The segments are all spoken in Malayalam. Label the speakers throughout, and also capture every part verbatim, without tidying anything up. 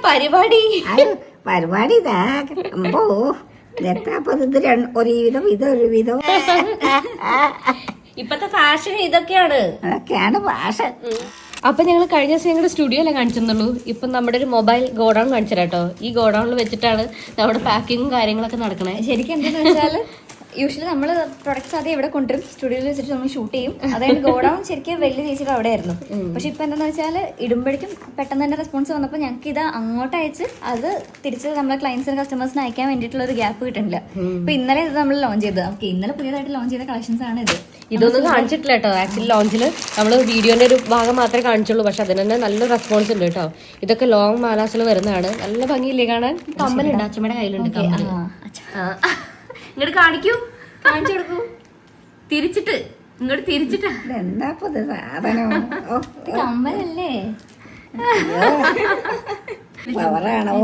Speaker 1: പരിപാടി
Speaker 2: പരിപാടി ഇതാ അമ്പോ എത്താപ്പത് ഇത് ഒരു വിധം ഇതൊരു വിധം
Speaker 1: ഇപ്പത്തെ ഫാഷൻ ഇതൊക്കെയാണ്
Speaker 2: അതൊക്കെയാണ് ഫാഷൻ.
Speaker 1: അപ്പൊ ഞങ്ങൾ കഴിഞ്ഞ ദിവസം ഞങ്ങളുടെ സ്റ്റുഡിയോയിലെ കാണിച്ചെന്നുള്ളൂ. ഇപ്പൊ നമ്മുടെ ഒരു മൊബൈൽ ഗോഡൌൺ കാണിച്ചു കേട്ടോ. ഈ ഗോഡൌണിൽ വെച്ചിട്ടാണ് നമ്മുടെ പാക്കിങ്ങും കാര്യങ്ങളൊക്കെ നടക്കണേ.
Speaker 3: ശരിക്കും എന്താന്ന് വെച്ചാൽ യൂഷ്വലി നമ്മൾ പ്രൊഡക്ട്സ് ആദ്യം ഇവിടെ കൊണ്ടുവരും, സ്റ്റുഡിയോയിൽ വെച്ചിട്ട് നമ്മൾ ഷൂട്ട് ചെയ്യും. അതായത് ഗോഡൌൺ ശരിക്കും വലിയ ചേച്ചിയുടെ അവിടെ ആയിരുന്നു. പക്ഷെ ഇപ്പൊ എന്താണെന്ന് വെച്ചാൽ ഇടുമ്പോഴേക്കും പെട്ടെന്ന് തന്നെ റെസ്പോൺസ് വന്നപ്പോൾ ഞങ്ങൾക്ക് ഇത് അങ്ങോട്ട് അയച്ച് അത് തിരിച്ച് നമ്മളെ ക്ലയൻസിന് കസ്റ്റമേഴ്സിന് അയക്കാൻ വേണ്ടിയിട്ടുള്ള ഒരു ഗ്യാപ്പ് കിട്ടുന്നില്ല. ഇപ്പൊ ഇന്നലെ ഇത് നമ്മൾ ലോഞ്ച് ചെയ്തത്. ഓക്കെ, ഇന്നലെ പുതിയതായിട്ട് ലോഞ്ച് ചെയ്ത കളക്ഷൻസ് ആണ് ഇത്.
Speaker 1: ഇതൊന്നും കാണിച്ചിട്ടില്ല കേട്ടോ. ആക്ച്വലി ലോഞ്ചിൽ നമ്മൾ വീഡിയോന്റെ ഒരു ഭാഗം മാത്രമേ കാണിച്ചുള്ളൂ. പക്ഷെ അതിന് തന്നെ നല്ല റെസ്പോൺസ് ഉണ്ട് കേട്ടോ. ഇതൊക്കെ ലോങ് മാലാസിൽ വരുന്നതാണ്. നല്ല ഭംഗിയില്ലേ കാണാൻ? കമ്മലുണ്ട്, അച്ഛമ്മയുടെ കയ്യിലുണ്ട് കമ്മല്. ഇങ്ങോട്ട് കാണിക്കൂ, കാണിച്ചു കൊടുക്കൂ. തിരിച്ചിട്ട് ഇങ്ങോട്ട് തിരിച്ചിട്ടാ.
Speaker 2: എന്താ സാധനം
Speaker 3: കമ്മലല്ലേ?
Speaker 2: പവറാണോ?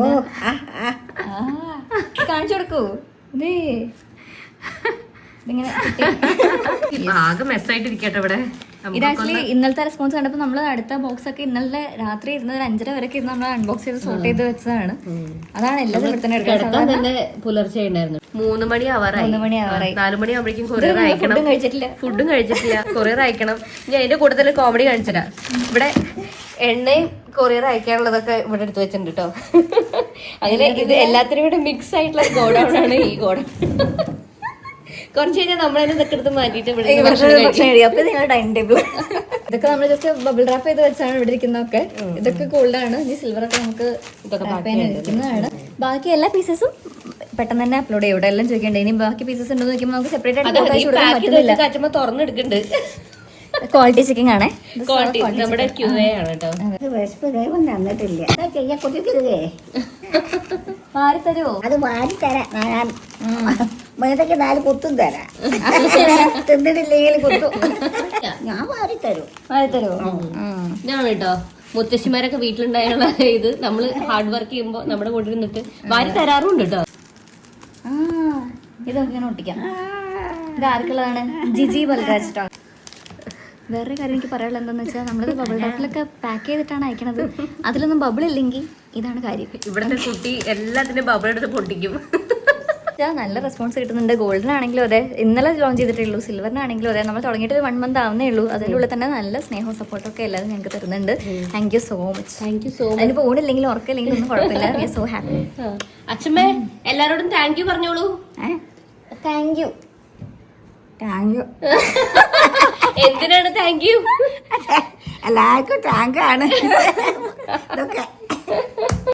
Speaker 3: കാണിച്ചു കൊടുക്കൂ. ഇതേ ഇങ്ങനെ
Speaker 1: ആകെ മെസ്സായിട്ടിരിക്കട്ടെ ഇവിടെ.
Speaker 3: ഇത് ആക്ച്വലി ഇന്നലത്തെ റെസ്പോൺസ് കണ്ടപ്പോൾ നമ്മൾ അടുത്ത ബോക്സ് ഒക്കെ ഇന്നലെ രാത്രി ഇരുന്ന് ഒരു അഞ്ചര വരെ ഇരുന്ന് നമ്മൾ അൺബോക്സ് ചെയ്ത് സോർട്ട് ചെയ്ത് വെച്ചതാണ്. അതാണ് എല്ലാം ഇവിടെ തന്നെ
Speaker 1: തന്നെ പുലർച്ചെ ഉണ്ടായിരുന്നു. മൂന്ന് മണി ആവാറായി.
Speaker 3: മൂന്ന് മണി ആവാറായി.
Speaker 1: നാലു മണി ആവുമ്പോഴേക്കും കൊറിയർ അയക്കണം.
Speaker 3: ഫുഡും കഴിച്ചിട്ടില്ല
Speaker 1: ഫുഡും കഴിച്ചിട്ടില്ല കൊറിയർ അയക്കണം. ഞാൻ അതിന്റെ കൂട്ടത്തിൽ കോമഡി കാണിച്ചില്ല. ഇവിടെ എണ്ണയും കൊറിയർ അയക്കാനുള്ളതൊക്കെ ഇവിടെ എടുത്തു വെച്ചിട്ടുണ്ട് കേട്ടോ. അങ്ങനെ ഇത് എല്ലാത്തിനും കൂടെ മിക്സ് ആയിട്ടുള്ള ഗോഡൌൺ ആണ് ഈ ഗോഡൌൺ. കുറച്ച് കഴിഞ്ഞാൽ നമ്മളതിനെ ഇതൊക്കെ എടുത്ത് മാറ്റിയിട്ട്
Speaker 3: അപ്പൊ നിങ്ങൾ ഡൈനിങ് ടേബിൾ ഇതൊക്കെ നമ്മൾ ജസ്റ്റ് ബബിൾ റാപ്പ് ചെയ്ത് വെച്ചാണ് ഇവിടെ ഇരിക്കുന്നതൊക്കെ. ഇതൊക്കെ ഗോൾഡാണ്. ഇനി സിൽവർ ഒക്കെ നമുക്ക് ഇരിക്കുന്നതാണ്. ബാക്കി എല്ലാ പീസസും പെട്ടെന്ന് തന്നെ അപ്ലോഡ് ചെയ്യും. ഇവിടെ എല്ലാം ചോദിക്കണ്ടേ. ഇനി ബാക്കി പീസസ് ഉണ്ടോ നോക്കുമ്പോൾ നമുക്ക് സെപ്പറേറ്റ് ആയിട്ട്
Speaker 1: തുറന്നെടുക്കുന്നുണ്ട്.
Speaker 3: ക്വാളിറ്റി ചെക്കിംഗ് ആണേ.
Speaker 1: ക്വാളിറ്റി നമ്മുടെ ക്യൂ എ ആണ് കേട്ടോ.
Speaker 2: വിശപ്പ് ദൈവം തന്നിട്ടില്ല. ചെയ്യാൻ കുട്ടിക്കരുതേ.
Speaker 3: മാറി തരുമോ?
Speaker 2: അത് വാരി തരാം. ഞാൻ മേതൊക്കെ നാല് കുത്തും തരാം. തിന്നിട്ടില്ലെങ്കിൽ കുത്തും. ഞാൻ വാരി തരും.
Speaker 3: മാറി തരുമോ?
Speaker 1: ഞാൻ കേട്ടോ മുത്തശ്ശിമാരൊക്കെ വീട്ടിലുണ്ടായുള്ള ഇത് നമ്മള് ഹാർഡ് വർക്ക് ചെയ്യുമ്പോ നമ്മുടെ കൂടെ നിന്നിട്ട് വാരി തരാറുണ്ട് കേട്ടോ.
Speaker 3: ആ ഇതൊക്കെ ഇങ്ങനെ ഒട്ടിക്കാം. ഇത് ആർക്കുള്ളതാണ്? ജിജി ബൽരാജ് ട്ടോ. വേറൊരു കാര്യം എനിക്ക് പറയാനുള്ളത് എന്താണെന്ന് വെച്ചാൽ നമ്മളിത് ബബിൾ റാപ്പിലൊക്കെ പാക്ക് ചെയ്തിട്ടാണ് അയക്കണത്. അതിലൊന്നും ബബിൾ ഇല്ലെങ്കിൽ ഇതാണ് കാര്യം.
Speaker 1: ഇവിടുത്തെ കുട്ടി എല്ലാത്തിനും ബബിൾ എടുത്ത് പൊട്ടിക്കും.
Speaker 3: നല്ല റെസ്പോൺസ് കിട്ടുന്നുണ്ട്. ഗോൾഡൻ ആണെങ്കിലും അതെ, ഇന്നലെ ലോഞ്ച് ചെയ്തിട്ടുള്ളൂ. സിൽവറിനാണെങ്കിലും അതെ, നമ്മൾ തുടങ്ങിയിട്ട് ഒരു വൺ മന്ത് ആവുന്നേ ഉള്ളൂ. അതിൻ്റെ ഉള്ളിൽ തന്നെ നല്ല സ്നേഹവും സപ്പോർട്ടും ഒക്കെ എല്ലാവരും ഞങ്ങൾക്ക് തരുന്നുണ്ട്. Thank you so much.
Speaker 1: Thank you so much.
Speaker 3: അതിന് പോണില്ലെങ്കിലും ഉറക്കില്ലെങ്കിലും ഒന്നും കുഴപ്പമില്ല. We are so happy.
Speaker 1: അച്ഛമ്മേ എല്ലാരോടും താങ്ക് യു പറഞ്ഞോളൂ.
Speaker 3: Thank you.
Speaker 2: Thank you.
Speaker 1: എന്തിനാണ് താങ്ക് യു?
Speaker 2: എല്ലാവർക്കും താങ്കാണ് ഇതൊക്കെ.